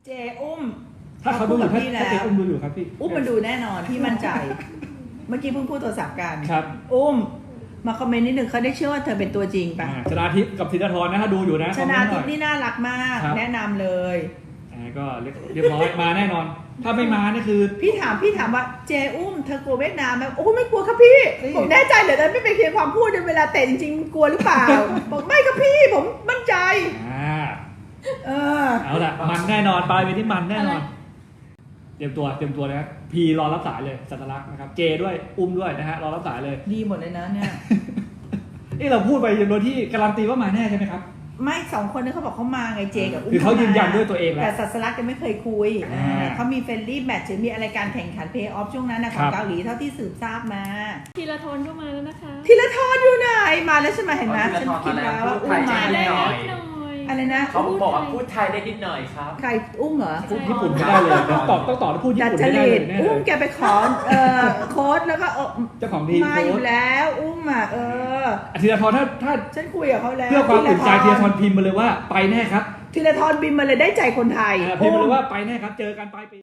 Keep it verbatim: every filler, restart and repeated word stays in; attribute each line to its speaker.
Speaker 1: เจอุ้ม
Speaker 2: ถ้าเขาดูอยู่ถ้า
Speaker 1: พี่
Speaker 2: ถ้า
Speaker 1: แล้
Speaker 2: เจ
Speaker 1: ว
Speaker 2: อุ้มดูอยู่ครับพี่
Speaker 1: อุ้มมันดูแน่นอนพี่มั่นใจ เมื่อกี้เพิ่งพูดโทรศัพท์กัน
Speaker 2: ครับ
Speaker 1: อุ้มมาคอมเมนต์นิดนึงเขาได้เชื่อว่าเธอเป็นตัวจริงปะ
Speaker 2: อ่าชนาทิพย์กับธีรทรนะถ้าดูอยู่นะ
Speaker 1: ชนะ
Speaker 2: คอมเม
Speaker 1: ทิ
Speaker 2: น
Speaker 1: พ
Speaker 2: ต์ห
Speaker 1: ย์
Speaker 2: อย
Speaker 1: นี่น่ารักมาก
Speaker 2: ครับ
Speaker 1: แนะนำเลย
Speaker 2: อ่าก็เรียบเรียบร้อยมาแน่นอน ถ้าไม่มานี่คือ
Speaker 1: พี่ถามพี่ถามว่าเจอุ้มเธอกลัวเวียดนามไหมโอ้ไม่กลัวครับพี่
Speaker 2: เฮ้ย
Speaker 1: ผมแน่ใจเหลือเกินไม่เป็นเพียงความพูดในเวลาเตะจริงๆกลัวหรือเปล่า บอกไม่ครับพี่ผมมั่นใจ
Speaker 2: อ่า
Speaker 1: เออ
Speaker 2: เอาละมันแน่นอนปลายเป็นที่มันแน่นอน เตรียมตัวเตรียมตัวนะครับพีรอรับสายเลยสัตลักษณ์นะครับเจด้วยอุ้มด้วยนะฮะรอรับสายเลย
Speaker 1: ดีหมดเลยนะเนี่ย
Speaker 2: นี่เราพูดไปโดยที่การันตีว่ามาแน่ใช่ไหมครับ
Speaker 1: ไม่สองคนนั้นเขาบอกเขามาไงเจกับอุ้ม
Speaker 2: คือเขา
Speaker 1: ม
Speaker 2: ยืนยันด้วยตัวเองแล้ว
Speaker 1: แต่สัสลักยังไม่เคยคุย
Speaker 2: อ่า
Speaker 1: เขามีเฟรนลี่แมตช์หรือมีอะไรการแข่งขันเพย์ออฟช่วงนั้นนะขอ
Speaker 2: ครั
Speaker 1: ง
Speaker 2: บ
Speaker 1: เกาหลีเท่าที่สืบทราบมา
Speaker 3: ธีรทรก็มาแล้วนะคะ
Speaker 1: ทีละทอนอยู่ไหนมาแล้วใช่ไหมเห็นไหม
Speaker 4: อ๋อธี
Speaker 1: ฉัน
Speaker 4: รทร
Speaker 1: คิดแล้วว่า
Speaker 4: มา
Speaker 1: อุ้ม
Speaker 4: แล้ว
Speaker 1: มา
Speaker 4: พูดไทย
Speaker 1: แล้ว
Speaker 4: ได้
Speaker 3: หน่อย
Speaker 1: อะไรนะ
Speaker 4: เขาบอกว่าพูดไทยได้นิดหน่อยครับ
Speaker 1: ใครอุ้มเหรอ
Speaker 2: พูดญี่ปุ่นไม่ได้เลยต้องตอบต้องตอบแล้วพูดญี่
Speaker 1: ดัด
Speaker 2: ปุ่น
Speaker 1: จ
Speaker 2: ไม่ได้
Speaker 1: ริ
Speaker 2: เล
Speaker 1: ต
Speaker 2: ยแน่เล
Speaker 1: อุ้ม
Speaker 2: ย
Speaker 1: แกไปขอเอ่อโค้ดแล้วก็เออ
Speaker 2: เจ้าของทีม
Speaker 1: มาอยู่แล้วอุ้มอ่ะเออ
Speaker 2: ธีรทรถ้าถ้า
Speaker 1: ฉันคุยกับเขาแล้ว
Speaker 2: เพื่อความอุ่นใจธีรทรพิมพ์มาเลยว่าไปแน่ครับ
Speaker 1: ทีละทอนบินมาเลยได้ใจคนไทย
Speaker 2: อ่าพิมพ์มาเลยว่าไปแน่ครับเจอกันปลายปี